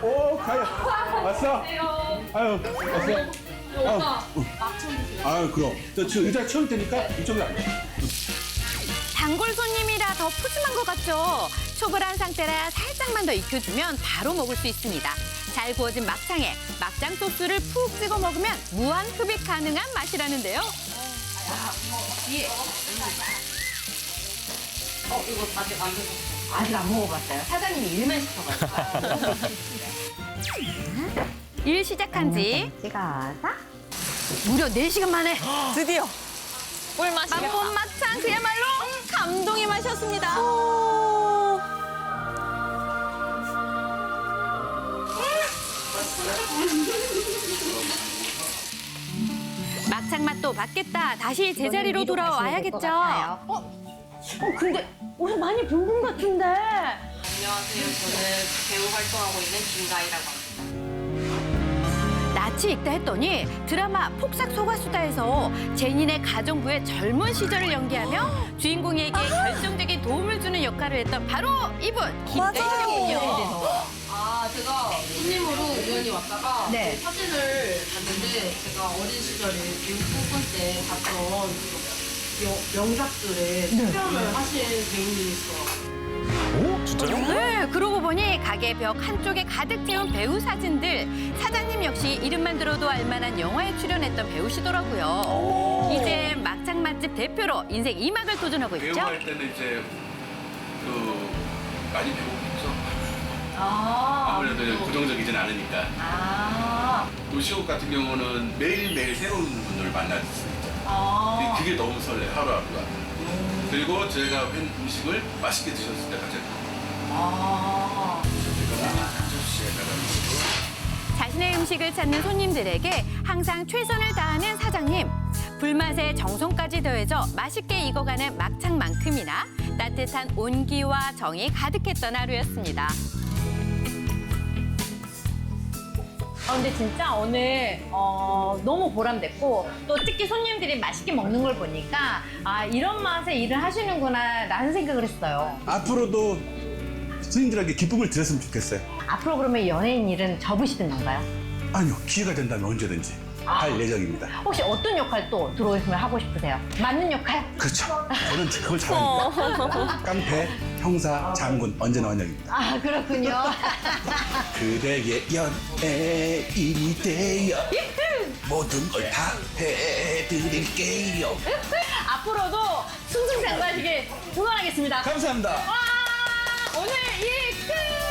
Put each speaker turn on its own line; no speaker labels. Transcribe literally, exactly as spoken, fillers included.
오, 가요. 왔어? 아유, 왔어?
오빠,
응. 아유, 그럼. 저, 저 의자 채울 테니까 이쪽으로 앉아.
단골 손님이라 더 푸짐한 것 같죠? 초벌한 상태라 살짝만 더 익혀주면 바로 먹을 수 있습니다. 잘 구워진 막창에 막장 소스를 푹 찍어 먹으면 무한 흡입 가능한 맛이라는데요.
예. 어, 이거 아직 안 드셨어요?
아직 안 먹어봤어요. 사장님이 일만 시켜가지고.
일 시작한 지
찍어서.
무려 네 시간 만에
드디어 꿀맛이겠다.
맛본 막창 그야말로 감동의 맛이었습니다. 막창 맛도 받겠다. 다시 제자리로 돌아와야겠죠.
어? 어, 근데 오늘 많이 본 분 같은데.
안녕하세요. 저는 배우 활동하고 있는 김가희라고 합니다.
낯이 익다 했더니 드라마 폭삭 속았수다에서 제니네 가정부의 젊은 시절을 연기하며 주인공에게 결정적인 도움을 주는 역할을 했던 바로 이분 김가희군요.
아, 제가 손님으로 우연히 왔다가
네.
사진을 봤는데 제가 어린 시절에 배우 뽑을 때 봤던 여- 명작들에 출연을 하신 배우님이시더라고요.
오? 진짜요?
네, 그러고 보니 가게 벽 한쪽에 가득 채운 배우 사진들. 사장님 역시 이름만 들어도 알만한 영화에 출연했던 배우시더라고요. 이제 막창 맛집 대표로 인생 이 막을 도전하고 있죠.
배우할 때는 이제 그 많이 배우겠죠.
아.
아무래도 고정적이진 않으니까.
아.
도시옥 같은 경우는 매일매일 새로운 분들을 만날 수 있죠.
아.
그게 너무 설레, 하루하루가. 그리고 저희가 한 음식을 맛있게 드셨을 때 가장
아.
자신의 음식을 찾는 손님들에게 항상 최선을 다하는 사장님. 불맛에 정성까지 더해져 맛있게 익어가는 막창만큼이나 따뜻한 온기와 정이 가득했던 하루였습니다.
아, 근데 진짜 오늘 어, 너무 보람됐고 또 특히 손님들이 맛있게 먹는 걸 보니까 아 이런 맛에 일을 하시는구나 라는 생각을 했어요.
앞으로도 스님들에게 기쁨을 드렸으면 좋겠어요.
앞으로 그러면 연예인 일은 접으시는 건가요?
아니요, 기회가 된다면 언제든지 할 예정입니다.
혹시 어떤 역할 또 들어오시면 하고 싶으세요? 맞는 역할?
그렇죠. 저는 그걸 잘합니다. 깡패, 형사, 장군 언제나 환영입니다.
아 그렇군요.
그대의 연예인이 되어 모든 걸 다 해드릴게요.
앞으로도 승승장구하시길 응원하겠습니다.
감사합니다.
와 오늘 일 끝!